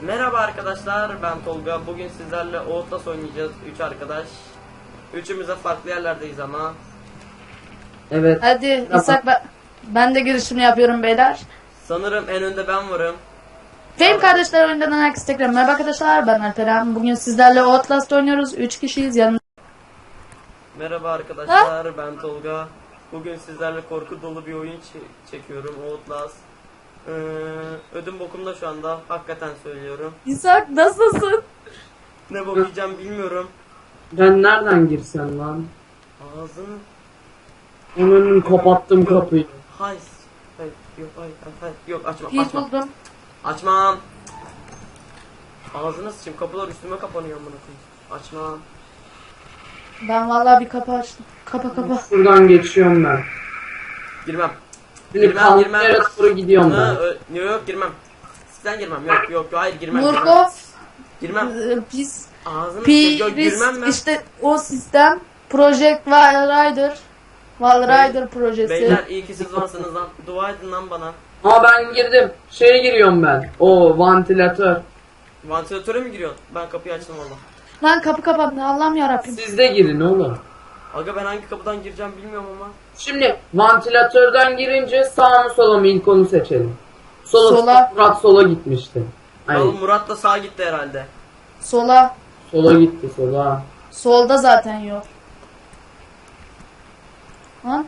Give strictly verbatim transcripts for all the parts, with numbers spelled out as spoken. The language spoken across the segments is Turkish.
Merhaba arkadaşlar, ben Tolga. Bugün sizlerle Outlast oynayacağız. Üç arkadaş. Üçümüz de farklı yerlerdeyiz ama. Evet. Hadi İshak, ben, ben de girişimi yapıyorum beyler. Sanırım en önde ben varım. Fame kardeşler oyundan herkese tekrar merhaba arkadaşlar, ben Alperen. Bugün sizlerle Outlast oynuyoruz. Üç kişiyiz yanımda. Merhaba arkadaşlar, ben Tolga. Bugün sizlerle korku dolu bir oyun çe- çekiyorum, Outlast. Ee, ödüm bokumda şu anda, hakikaten söylüyorum. İshak nasılsın? Ne bok yiyeceğim bilmiyorum. Ben nereden girsem lan? Ağzını... Onun kapattım kapıyı. Hay... Hay... Yok, hay, hay, hay. Yok, açma, Pil açma. buldum. Açmam. Ağzına sıçayım, kapılar üstüme kapanıyor amına koyayım. Açmam. Ben vallahi bir kapı açtım. Kapa kapa. Şuradan geçiyorum ben. Girmem. Şimdi Girmem, kalkıp girmem. yere doğru gidiyorum Ha, ben. ö- yok yok girmem. Sen girmem. Yok yok yok hayır girmem. Girmem. Murkoff, Girmem. e, pis, Ağzını sıçayım, yok girmem Piris, ben. işte o sistem. Project Rider. Wall Rider projesi. Beyler iyi ki siz varsınız lan. Dua edin lan bana. Ama ben girdim. Şeye giriyorum ben. O vantilatör. Vantilatöre mi giriyorsun? Ben kapıyı açtım valla. Lan kapı kapandı, Allah'ım yarabbim. Siz de girin oğlum. Aga ben hangi kapıdan gireceğim bilmiyorum ama. Şimdi vantilatörden girince sağ mı sola mı ilk onu seçelim. Sola. Sola. Murat sola gitmişti. Al Hayır. Murat da sağa gitti herhalde. Sola. Sola gitti sola. Solda zaten yok. Lan.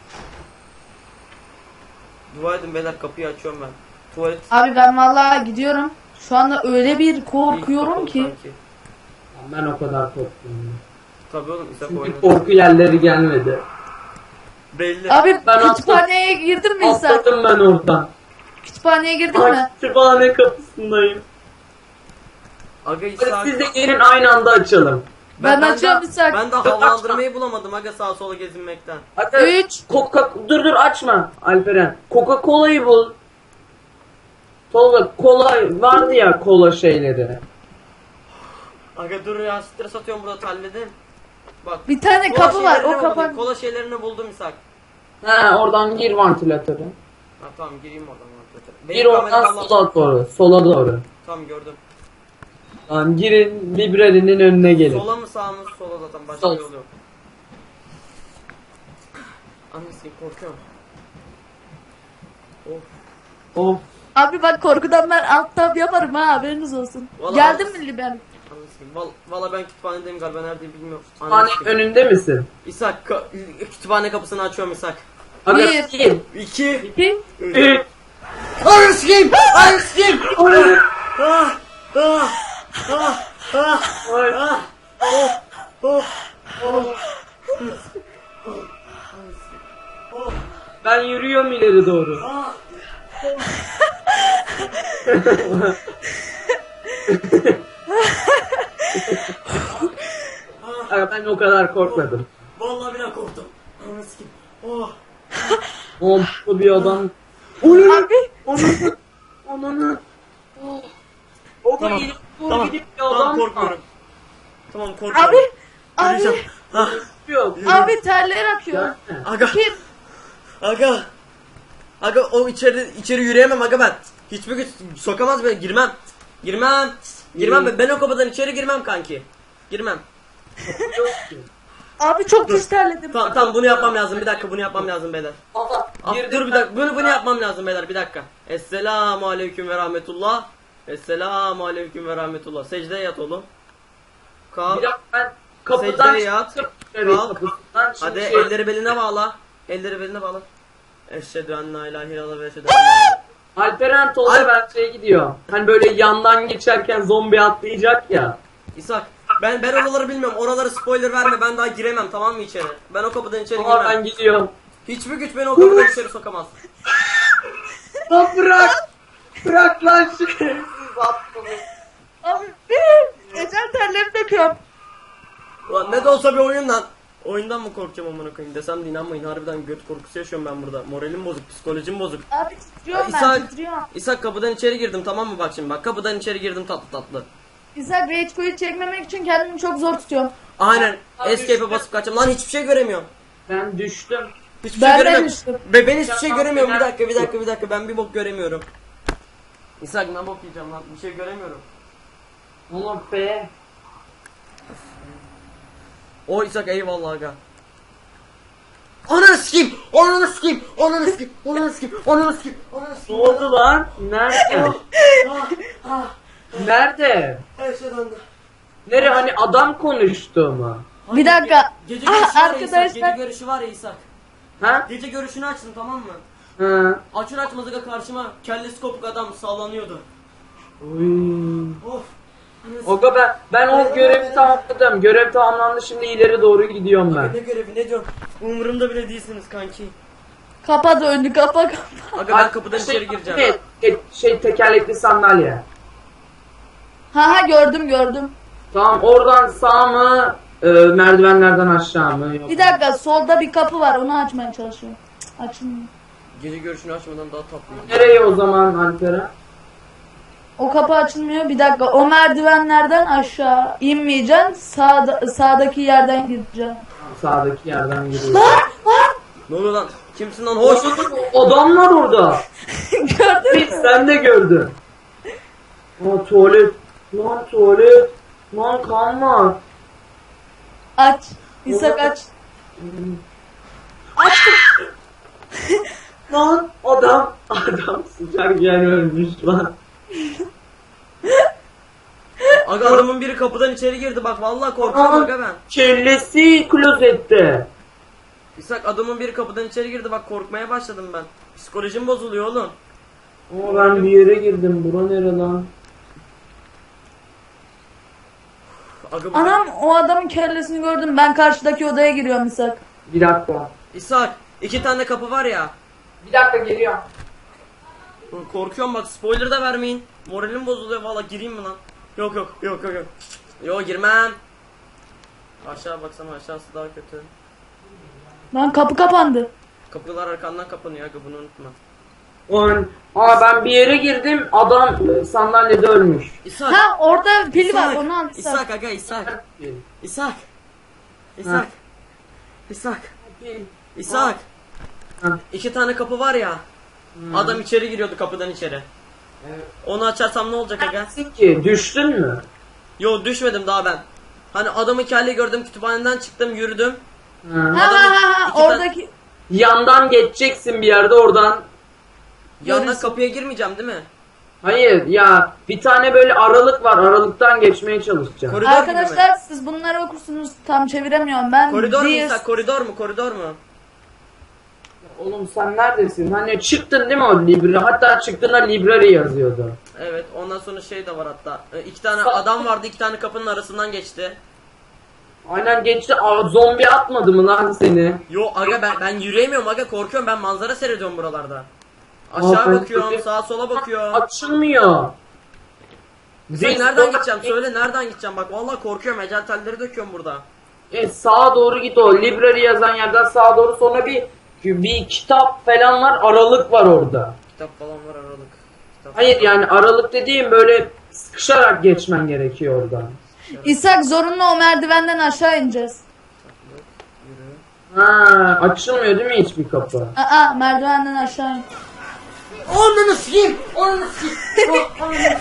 Dua edin beyler, kapıyı açıyorum ben. Tuvalet. Abi ben vallahi gidiyorum. Şu anda öyle bir İlk korkuyorum kapalı ki. sanki. Ben o kadar korkmuyorum. Tabii oğlum İshak Çünkü oynadı. korku yerleri gelmedi. Belli. Abi Ben kütüphaneye girdin mi İshak? Atladım ben oradan. Kütüphaneye girdin Ay, mi? kütüphane kapısındayım. Aga Hadi İshak. siz de gelin aynı anda açalım. Ben de- açıyorum İshak. Ben de havalandırmayı bulamadım aga sağa sola gezinmekten. Hadi. Üç. Coca dur dur açma Alperen. Coca-Cola'yı bul. Tolga kola vardı ya kola şeyleri. Aga dur ya, stres atıyorum burada, halledin. Bak. Bir tane kola kapı var, şeylerini o buldum, kapan. Kola şeylerini buldum İshak. He oradan gir vantilatöre. Ha tamam, gireyim oradan. vantilatöre. Gir Benim oradan kameram Allah- sola doğru. Sola doğru. Tamam gördüm. Tamam girin librerinin önüne gelin. Sola mı sağ mı? Sola zaten, başka Sol. yol yok. Annesi korkuyorum. Of. Of. Abi bak korkudan ben alt tab yaparım ha, haberiniz olsun. Vallahi- Geldin mi Liben? Annesi. Val Valla ben kütüphanedeyim galiba, neredeyim bilmiyorum. Kütüphane Annesi. önünde misin? İshak ka- kütüphane kapısını açıyorum İshak. Hadi Bir. gir. İki. İki. Üç. Annesi kim? Annesi kim? Ah! Ah! Ah! Ah! Ay. Ah! Oh! Oh! Oh! Ben yürüyorum ileri doğru. Ah! Ay, ben o kadar korkmadım. Vallahi bile korktum. Annesi kim? Oh! Pomplu bir adam. Onu Abi. onu onu O da Tamam. gidip bu Tamam. gidip bir Tamam adam korkmuyorum. Tamam korkmuyorum. Abi. Abi. Yürüyeceğim. Ah! yok. Abi terler akıyor. Aga! Kim? Aga! Aga o içeri içeri yürüyemem aga ben. Hiçbir güç sokamaz beni. Girmem. Girmem. Girmem ben. Ben o kapıdan içeri girmem kanki. Girmem. Abi çok pis terledim. Tamam tamam, bunu yapmam lazım. Bir dakika, bunu yapmam lazım beyler. Aha, Ah, girdim dur bir dakika. Bunu bunu yapmam lazım beyler. Bir dakika. Esselamu aleyküm ve rahmetullah. Esselamu aleyküm ve rahmetullah. Secdeye yat oğlum. Kalk. Bir dakika ben kapıdan Secdeye yat. çıktım. Evet, Kalk. kapıdan şimdi Hadi şey- elleri beline bağla. Elleri beline bağla. Eşhedü en la ilahe illallah ve eşhedü enne Alperen Tolga Al- ben şey gidiyor. Hani böyle yandan geçerken zombi atlayacak ya. İshak, ben ben oraları bilmiyorum. Oraları spoiler verme. Ben daha giremem, tamam mı içeri? Ben o kapıdan içeri Ama girmem. ben gidiyorum. Hiçbir güç beni o kapıdan içeri sokamaz. Lan bırak. Bırak lan şerefsiz attım. Abi. Ecel terleri döküyorum. Ulan ne de olsa bir oyun lan. Oyundan mı korkacağım amına koyayım desem de inanmayın. Harbiden göt korkusu yaşıyorum ben burada. Moralim bozuk, psikolojim bozuk. Abi titriyorum ben, İshak, titriyorum. İshak kapıdan içeri girdim, tamam mı bak şimdi bak. Kapıdan içeri girdim tatlı tatlı. İshak rage quit çekmemek için kendimi çok zor tutuyorum. Aynen. Abi Escape'e işte- basıp kaçacağım. Lan hiçbir şey göremiyorum. Ben düştüm. Hiçbir Ben şey de göremiyorum. düştüm. Be ben hiçbir şey Ya, göremiyorum. Bir ben- dakika, bir dakika, bir dakika. Ben bir bok göremiyorum. İshak ne bok yiyeceğim lan, bir şey göremiyorum. Oğlum be. O İshak eyvallah aga. Ananı sikeyim, ananı sikeyim, ananı sikeyim, ananı sikeyim, ananı sikeyim, ananı Ne sikeyim. oldu lan? Nerede? Ah, ah, Nerede? her şey döndü. Nere hani adam konuştu mu? Bir dakika. Gece Ah, görüşü var ya İshak, arkadaşlar. gece görüşü var ya İshak. Ha? Gece görüşünü açtım tamam mı? Ha. Açır açmaz aga karşıma kellesi kopuk adam sallanıyordu. Uy. Of. Oga ben ben o görevi tamamladım. Görev tamamlandı, şimdi ileri doğru gidiyorum Aga ben. ne görevi ne diyorum? Umurumda bile değilsiniz kanki. Kapa döndü kapa kapa. Aga ben kapıdan içeri gireceğim. Şey, şey, şey tekerlekli sandalye. Ha ha gördüm gördüm. Tamam, oradan sağ mı, e, merdivenlerden aşağı mı? Yok. Bir dakika solda bir kapı var onu açmaya çalışıyorum. Cık, açılmıyor. Gece görüşünü açmadan daha tatlıyım. Nereye o zaman Alperen? O kapı açılmıyor. Bir dakika o merdivenlerden aşağı inmeyeceksin. Sağda, sağdaki yerden gireceksin. Sağdaki yerden giriyor. Ne oluyor lan? Kimsin lan? Hoş. Adam var orada. Gördün mü? Sen de gördün. Aa, tuvalet. Lan tuvalet. Lan kan var. Aç. İshak aç. Açtım. Lan adam. Adam sıcak yer ölmüş lan. Aga adamın biri kapıdan içeri girdi bak vallahi korkuyorum aga ben. Kellesi klozette. İshak adamın biri kapıdan içeri girdi bak korkmaya başladım ben. Psikolojim bozuluyor oğlum. Ama ben bir yere girdim. Bura nere lan? Aga bu Anam o adamın kellesini gördüm. Ben karşıdaki odaya giriyorum İshak. Bir dakika. İshak iki tane kapı var ya. Bir dakika geliyorum. Korkuyorum bak spoiler da vermeyin. Moralim bozuluyor valla gireyim mi lan? Yok yok yok yok yok. Yok girmem. Aşağı baksana aşağısı daha kötü. Lan kapı kapandı. Kapılar arkandan kapanıyor aga bunu unutma. On. Aa, ben bir yere girdim. Adam e, sandalyede ölmüş. İshak. Ha orada pil var İshak. onu al İshak. İshak aga İshak. İshak. İshak. İshak. İshak. Ha. İki tane kapı var ya. Adam içeri giriyordu kapıdan içeri. Evet. Onu açarsam ne olacak aga? Neredesin ki? Düştün mü? Yo düşmedim daha ben. Hani adamı kelle gördüm kütüphaneden çıktım yürüdüm. Ha. Ha ha ha, ha İki tane- oradaki. Yandan geçeceksin bir yerde, oradan. Yandan Görürsün. kapıya girmeyeceğim değil mi? Hayır ya, bir tane böyle aralık var. Aralıktan geçmeye çalışacağım. Koridor gibi mi? Arkadaşlar siz bunları okursunuz tam çeviremiyorum ben. Koridor mu Diğer- İshak? Koridor mu? Koridor mu? Oğlum sen neredesin? Hani çıktın değil mi o Libra? Hatta çıktığında Library yazıyordu. Evet ondan sonra şey de var hatta. Ee, iki tane Sa- adam vardı iki tane kapının arasından geçti. Aynen geçti. Aa, zombi atmadı mı lan seni? Yo aga ben ben yürüyemiyorum aga korkuyorum ben manzara seyrediyorum buralarda. Aşağı Aa, ben- bakıyorum sağa sola bakıyorum. Açılmıyor. Sen Biz- nereden gideceğim söyle nereden gideceğim bak vallahi korkuyorum ecel telleri döküyorum burada. E, sağa doğru git o. Library yazan yerden sağa doğru, sonra bir bir kitap falan var. Aralık var orada. Kitap falan var aralık. Kitap Hayır yani aralık dediğim böyle sıkışarak geçmen gerekiyor oradan. İshak zorunlu o merdivenden aşağı ineceğiz. Yürü. Ha, açılmıyor değil mi hiçbir kapı? Aa merdivenden aşağı in. Ananı sikeyim! Ananı sikeyim! Ah, ananı-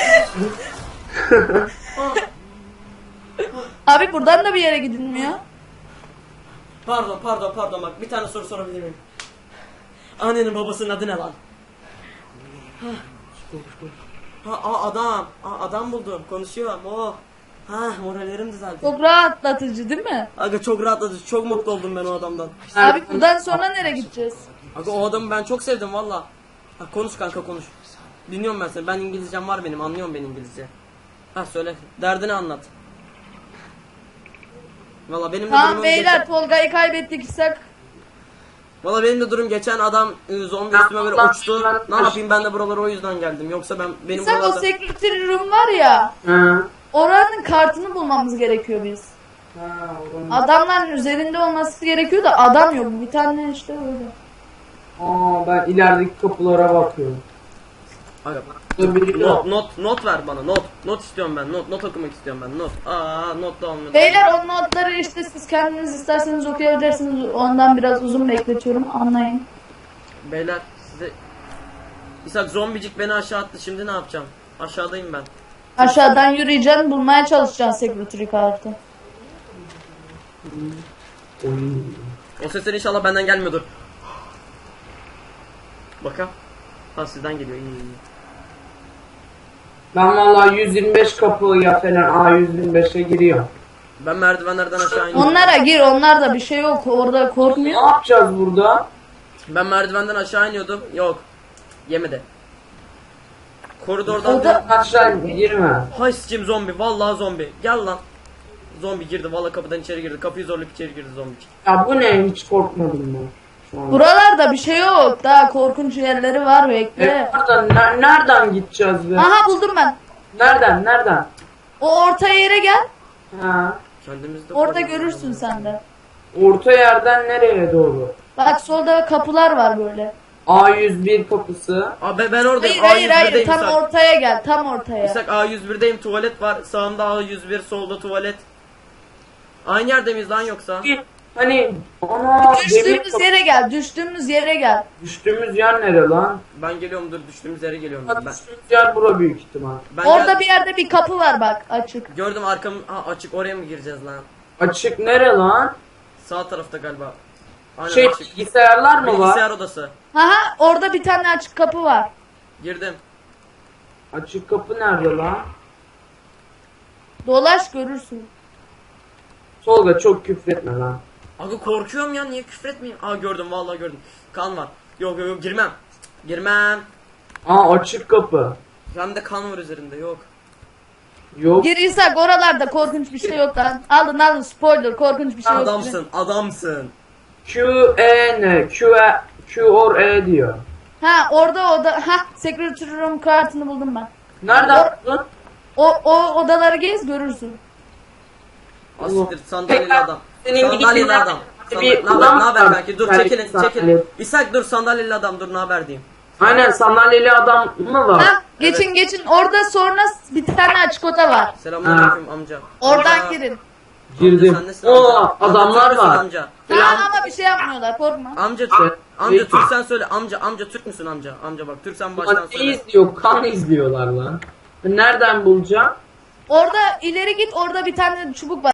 Abi buradan da bir yere gidilmiyor. Pardon pardon pardon bak bir tane soru sorabilir miyim? Annenin babasının adı ne lan? Ha, ha aa, adam. Aa, adam buldum. Konuşuyorum. Oh. Ha morallerim düzeldi. Çok rahatlatıcı değil mi? Aga çok rahatladı. Çok mutlu oldum ben o adamdan. Abi buradan sonra nereye gideceğiz? Aga o adamı ben çok sevdim valla. Ha, konuş kanka konuş. Dinliyorum ben seni. Ben İngilizcem var benim. Anlıyorum ben İngilizce. Ha söyle. Derdini anlat. Valla benim de Tamam durumum beyler geçen... Tolga'yı kaybettik İshak. Valla benim de durum geçen adam e, zombi üstüme böyle uçtu. Ne yapayım ben de buralara o yüzden geldim. Yoksa ben benim İshak o buralarda... secretary room var ya. Ha. Oranın kartını bulmamız gerekiyor biz. Ha, oradan- Adamların üzerinde olması gerekiyor da adam yok. Bir tane işte öyle. Aa, ben ilerideki kapılara bakıyorum. Aga, Burada biri not, yok. not, not ver bana not. Not istiyorum ben. Not, not okumak istiyorum ben. Not. Aa, not da olmuyor. Beyler o notları işte siz kendiniz isterseniz okuyabilirsiniz. Ondan biraz uzun bekletiyorum. Anlayın. Beyler size İshak zombicik beni aşağı attı. Şimdi ne yapacağım? Aşağıdayım ben. Aşağıdan yürüyeceksin, bulmaya çalışacaksın security kartı. Oy. O sesler inşallah benden gelmiyordur. Bakalım. Ha sizden geliyor. İyi iyi. Ben vallahi yüz yirmi beş kapıya falan A yüz yirmi beşe giriyorum. Ben merdivenlerden aşağı iniyorum. Onlara gir, onlarda bir şey yok. Orada Ne korkmuyor. yapacağız burada? Ben merdivenden aşağı iniyordum. Yok. Yemedi. Koridordan O da- Aşağı girme. Hay sıçayım zombi. Vallahi zombi. Gel lan. Zombi girdi. Vallahi kapıdan içeri girdi. Kapıyı zorlayıp içeri girdi zombi. Ya bu ne? Hiç korkmadım ben. Şu an. Buralarda bir şey yok. Daha korkunç yerleri var, bekle. E, nereden, ne- nereden gideceğiz be? Aha buldum ben. Nereden? Nereden? O orta yere gel. Ha. Kendimizde Orada görürsün sen de. Orta yerden nereye doğru? Bak solda kapılar var böyle. A yüz bir kapısı. Abi ben, ben oradayım. Hayır hayır hayır, A yüz birdeyim tam İshak. ortaya gel, tam ortaya. İshak A yüz birdeyim. Tuvalet var. Sağımda A yüz bir. Solda tuvalet. Aynı yerde miyiz lan yoksa? Bir, Hani ana demir Düştüğümüz kapı. yere gel, düştüğümüz yere gel. Düştüğümüz yer nere lan? Ben geliyorum dur. Düştüğümüz yere geliyorum. Ha, Ben, düştüğümüz yer bura büyük ihtimal. ben Orada gel- bir yerde bir kapı var bak, açık. Gördüm arkam ha, açık. Oraya mı gireceğiz lan? Açık nere lan? Sağ tarafta galiba. Aynen Şey açık. bilgisayarlar mı var? Bilgisayar odası. Aha orada bir tane açık kapı var. Girdim. Açık kapı nerede lan? Dolaş görürsün. Tolga çok küfretme lan. Aga korkuyorum ya, niye küfretmeyeyim? Aa gördüm, vallahi gördüm. Kan var. Yok yok yok, girmem. Girmem. Aa açık kapı. Hem de kan var üzerinde, yok. Yok. Gir İshak, oralarda korkunç bir şey yok lan. Alın alın, spoiler, korkunç bir şey yok. Adamsın, adamsın. Q E ne? Q E Q or E diyor. Ha orada oda, ha security room kartını buldum ben. Nereden buldun? O, o odaları gez görürsün. Asiktir, sandalyeli Tekrar adam. senin Sandalyeli gibiler- adam. Bir Sandalye, ne haber, adam ne haber var. kanki? Dur Belki çekilin, sandalye. çekilin. İshak dur, sandalyeli adam, dur ne haber diyeyim. Aynen sandalyeli adam mı var? Ha geçin geçin, orada sonra bir tane açık oda var. Selamünaleyküm amca. Oradan Amca. girin. Girdim. Amca, sen nesin Oo amca? adamlar Amca, Türk müsün var. Amca. Ha ama bir şey yapmıyorlar, korkma. Amca, Şey- amca şey- Türk sen söyle. Amca, amca Türk müsün amca? Amca bak, Türk sen baştan Lan ne söyle. izliyor? Kan izliyorlar lan. Nereden bulacağım? Orada ileri git, orada bir tane çubuk var.